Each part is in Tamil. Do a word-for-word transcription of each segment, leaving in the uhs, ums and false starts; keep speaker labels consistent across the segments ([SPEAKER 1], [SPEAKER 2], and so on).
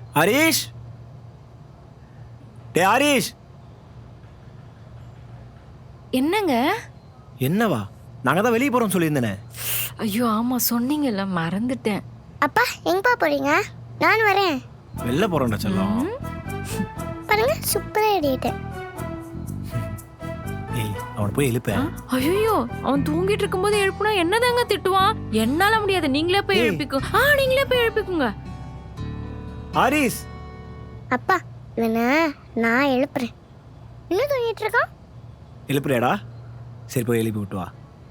[SPEAKER 1] ஹரிஷ், டே ஹரிஷ்.
[SPEAKER 2] என்னங்க?
[SPEAKER 1] என்னவா? நாங்க தான் வெளியே போறோம் சொல்லியிருந்தேனே.
[SPEAKER 2] ஐயோ ஆமா சொன்னீங்கல்ல, மறந்துட்டேன்.
[SPEAKER 3] அப்பா எங்கப்பா போறீங்க? நான் வரேன்.
[SPEAKER 1] வெளில போறோம்டா செல்லம்.
[SPEAKER 3] பாருங்க சூப்பரா ரெடிட்டேன்.
[SPEAKER 1] ஏய் அவனை போய் எழுப்பேன்.
[SPEAKER 2] ஐயோ அவன் தூங்கிட்டு இருக்கும்போது எழுப்புனா என்னதாங்க திட்டுவான்? என்னால முடியாது, நீங்களே போய் எழுப்பிக்கோ. ஆ நீங்களே போய் எழுப்பிக்குங்க.
[SPEAKER 1] ஹரிஷ்.
[SPEAKER 3] அப்பா இவனை நான் எழுப்புறேன். இன்னும் தூங்கிட்டு இருக்கான்.
[SPEAKER 1] எழுப்புறியாடா? சரி போய் எழுப்பி விட்டு வா.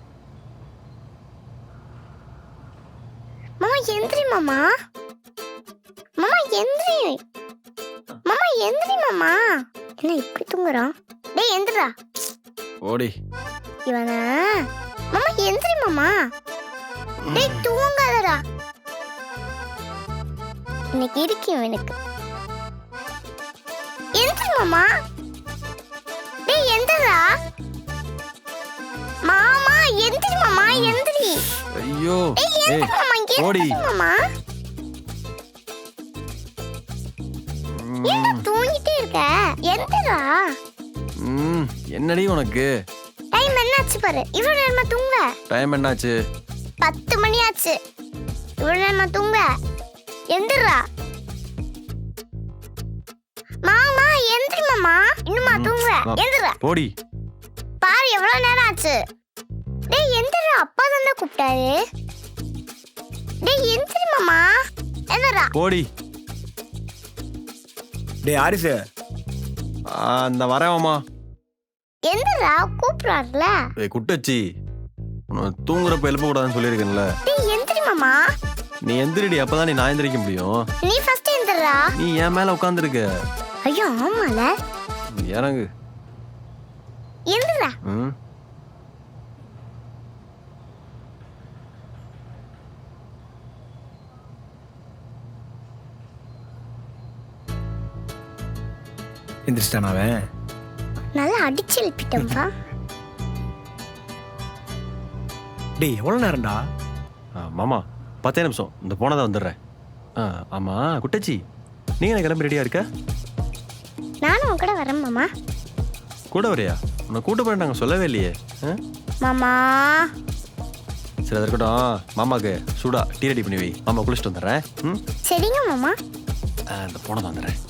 [SPEAKER 3] மாமா எந்திரி மாமா. மாமா எந்திரி. மாமா எந்திரி மாமா. என்ன இப்படி தூங்குறான்? டேய் எந்திரா.
[SPEAKER 1] ஓடி.
[SPEAKER 3] இவனா மாமா எந்திரி மாமா. டேய் தூங்காதடா. இன்னைக்கு இருக்கு இவனுக்கு. எந்திரி மாமா. டேய் எந்திரா. மாமா எந்திரி மாமா எந்திரி.
[SPEAKER 1] ஐயோ
[SPEAKER 3] ஏய் ஓடி மாமா. என்ன தூங்கிட்டே இருக்க? எந்திரா.
[SPEAKER 4] ம் என்னடி உனக்கு?
[SPEAKER 3] டைம் என்னாச்சு பாரு. இவ்வளவு நேரமா தூங்க.
[SPEAKER 4] டைம் என்னாச்சு?
[SPEAKER 3] பத்து மணி ஆச்சு. இவ்வளவு நேரமா தூங்க. எந்திரா. மாமா எந்திரி மாமா. இன்னுமா தூங்க? எந்திரா.
[SPEAKER 4] போடி.
[SPEAKER 3] பாரு எவ்வளவு நேரம் ஆச்சு. டேய் எந்திரா, அப்பா தான கூப்பிட்டாரு. டேய் எந்திரி மாமா. எந்திரா.
[SPEAKER 4] போடி.
[SPEAKER 1] டேய் ஹரிஷ்.
[SPEAKER 4] அந்த வரேன் மாமா.
[SPEAKER 3] எந்திரா கூப்பிடுறாருல.
[SPEAKER 4] ஏய் குட்டச்சி, உன்னை தூங்குறப்ப எழுப்ப கூடாதுன்னு சொல்லியிருக்கேன்ல.
[SPEAKER 3] டேய் எந்திரி மாமா.
[SPEAKER 4] நீ எந்திரிடி, அப்பதான் நீ நான் எந்திரிக்க முடியும்.
[SPEAKER 3] நீ ஃபர்ஸ்ட் எந்திரா.
[SPEAKER 4] நீ என் மேல உட்கார்ந்திருக்க.
[SPEAKER 3] ஐயோ ஆமால.
[SPEAKER 4] இறங்கு.
[SPEAKER 3] எந்திரா.
[SPEAKER 4] ம்
[SPEAKER 1] எந்திரிச்சிட்டான் அவன்.
[SPEAKER 3] நல்லா அடிச்சு எழுப்பிட்டேன்ப்பா.
[SPEAKER 1] டேய் எவ்வளவு நேரம்டா?
[SPEAKER 4] மாமா பத்தே நிமிஷம், இந்த போனதான் வந்துடுறேன். ஆ ஆமா குட்டச்சி, நீங்க என்ன கிளம்பி ரெடியா இருக்க?
[SPEAKER 3] நானும் உன் கூட வரேன் மாமா.
[SPEAKER 4] கூட வரையா? உன்னை கூட்ட போய் நாங்கள் சொல்லவே இல்லையே.
[SPEAKER 3] மாமா
[SPEAKER 4] சரி அது இருக்கட்டும், மாமாக்கு சூடா டீ ரெடி பண்ணி வை. மாமா குளிச்சுட்டு வந்துடுறேன். ம்
[SPEAKER 3] சரிங்க மாமா.
[SPEAKER 4] இந்த போனதான் வந்துடுறேன்.